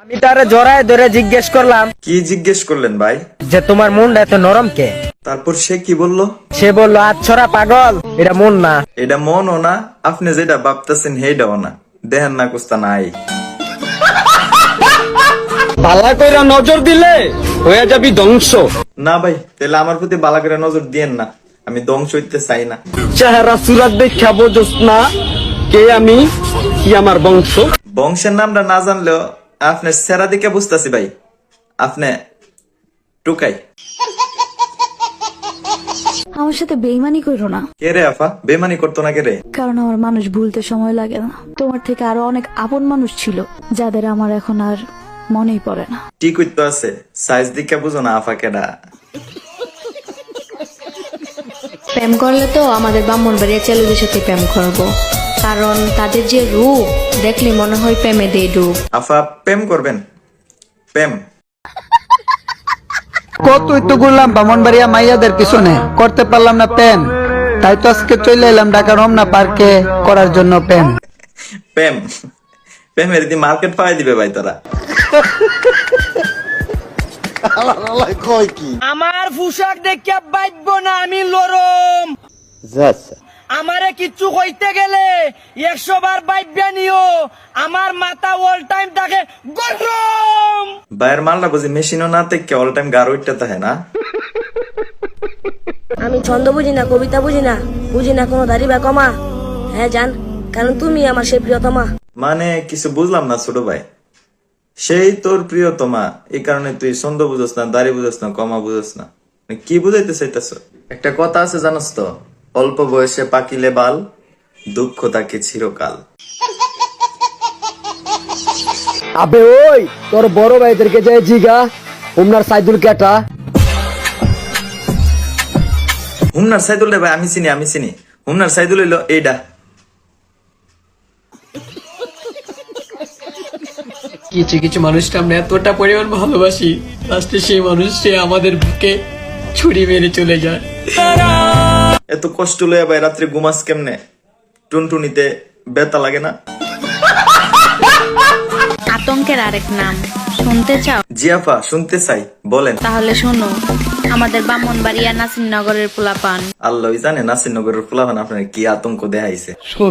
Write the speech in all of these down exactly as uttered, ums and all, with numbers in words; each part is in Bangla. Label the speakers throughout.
Speaker 1: আমি তারে জড়ায় ধরে জিজ্ঞেস করলাম,
Speaker 2: কি জিজ্ঞেস করলেন ভাই?
Speaker 1: যে তোমার মনটা এত নরম কে?
Speaker 2: তারপর সে কি বললো?
Speaker 1: সে বলল, আচ্ছরা পাগল, এটা মন না।
Speaker 2: এটা মনও না, আপনি যেটা ভাবতেছেন সেইটাও না। দেহেন না কুস্তা নাই।
Speaker 3: পালা কইরা নজর দিলে হয়ে যাবি ধ্বংস।
Speaker 2: না ভাই, তাহলে আমার প্রতি বালা করে নজর দিয়েন না, আমি ধ্বংস হইতে চাই না।
Speaker 3: চেহারা সুরাত দেখা বোঝস না কে আমি, কি আমার বংশ।
Speaker 2: বংশের নামটা না জানলেও আপনার সেরা দিকে বুঝতেছি ভাই, আপনি টুকাই।
Speaker 4: আমার সাথে বেইমানি করো না,
Speaker 2: কে রে আফা? বেমানি করতো না কে রে?
Speaker 4: কারণ আমার মানুষ ভুলতে সময় লাগে না। তোমার থেকে আরো অনেক আপন মানুষ ছিল যাদের আমার এখন আর মনেই পড়ে না।
Speaker 2: ঠিক হইতো আছে, সাইজ দিকে বুঝো না আফা কেডা।
Speaker 5: প্রেম করলে তো আমাদের ব্রাহ্মণবাড়িয়া ছেলেদের সাথে প্রেম করবো, কারণ তাদের যে রূপ দেখলে মনে হয় প্রেমে দিয়ে ডুব।
Speaker 2: আফা প্রেম করবেন? প্রেম
Speaker 6: কতই তো ঘুরলাম ব্রাহ্মণবাড়িয়া মাইয়াদের পিছনে, করতে পারলাম না প্রেম। তাই তো আজকে চলে এলাম ঢাকা রমনা পার্কে করার জন্য প্রেম।
Speaker 2: প্রেম প্রেমের দি মার্কেট পাই দিবে ভাই তোরা।
Speaker 1: আমার পোশাক দেখে বাইব না আমি লরম। আমারে কিচ্ছু কইতে গেলে একশো বার বাইব্যা নিও, আমার মাথা অল টাইম থাকে গরম।
Speaker 2: বাইরের মালটা বুঝি মেশিনও না থেকে অল টাইম গাড় উঠতে থাকে না।
Speaker 7: আমি ছন্দ বুঝি না, কবিতা বুঝি না, বুঝি না কোনো দাড়ি বা কমা। হ্যাঁ জান, কারণ তুমি আমার সেই প্রিয়তমা।
Speaker 2: মানে কিছু বুঝলাম না ছোট ভাই। সেই তোর প্রিয়তমা, এই কারণে তুই ছন্দ বুঝস না, দাড়ি বুঝস না, কমা বুঝস না, মানে কি বুঝাইতে চাইতেছ? একটা কথা আছে জানোস তো, অল্প বয়সে পাকিলে বাল, দুঃখ তাকে চিরকাল।
Speaker 3: আবে ওই তোর বড় ভাইদেরকে যাই জিগা উমনার সাইদুল কেটা।
Speaker 2: হুমনার সাইদুল রে ভাই আমি চিনি, আমি চিনি। হুমনার সাইদুল হইলো এইডা।
Speaker 8: কিছু কিছু মানুষকে আমরা এতটা পরিমাণ ভালোবাসি, লাস্টে সেই মানুষটি আমাদের বুকে ছুরি মেরে চলে যায়।
Speaker 2: এত কষ্ট লইয়া ভাই রাত্রে ঘুমাস কেমনে? টুনটুনিতে বেতা লাগে না?
Speaker 5: আতঙ্কের আরেক নাম শুনতে চাও?
Speaker 2: জিয়াফা শুনতে চাই, বলেন।
Speaker 5: তাহলে শোনো, আমাদের ব্রাহ্মণবাড়িয়া নাসিরনগরের পোলাপান।
Speaker 2: আল্লাহই জানে নাসিরনগরের ফুলাফান আপনার কি আতঙ্ক দেখাইছে।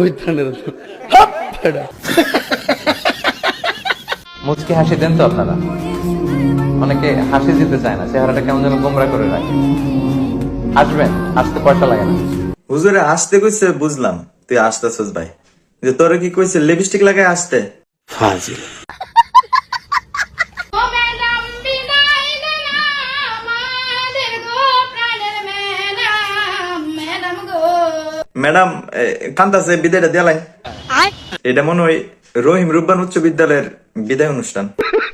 Speaker 9: মুচকি হাসি দেন তো আপনারা? অনেকে হাসি দিতে চায় না, চেহারাটা কেমন যেন গোমরা করে রাখে। আসবেন, আসতে পয়সা লাগে না।
Speaker 2: হুজুরে আসতে কইছে বুঝলাম, তুই আসতেছস ভাই, যে তোরে কি কইছে লিপস্টিক লাগাই আসতে? ফাজিল। ম্যাডাম কান্তাছে, বিদায়টা দেলাই। এটা মনে হয় রহিম রুব্বান উচ্চ বিদ্যালয়ের বিদায় অনুষ্ঠান।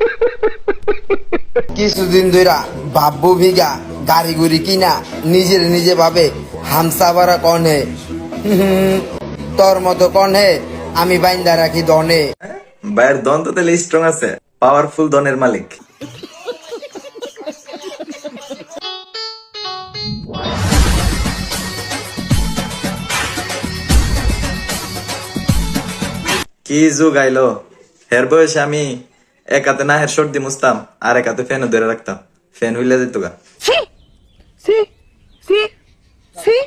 Speaker 6: কিছুদিন ধরে বাব্বু ভিগা গাড়ি গুড়ি কিনা নিজের নিজে ভাবে হামসাবারা কনে, তোর মতো কনে আমি বাইন্দা রাখি দনে।
Speaker 2: ভাইয়ের দন তো তাহলে স্ট্রং আছে, পাওয়ারফুল দনের মালিক। কি যুগ আইলো, হের বয়সে আমি এক হাতে না হের সর্দি মুছতাম, আর এক হাতে ফ্যানও ধরে রাখতাম, ফ্যান হইলে যেত গা।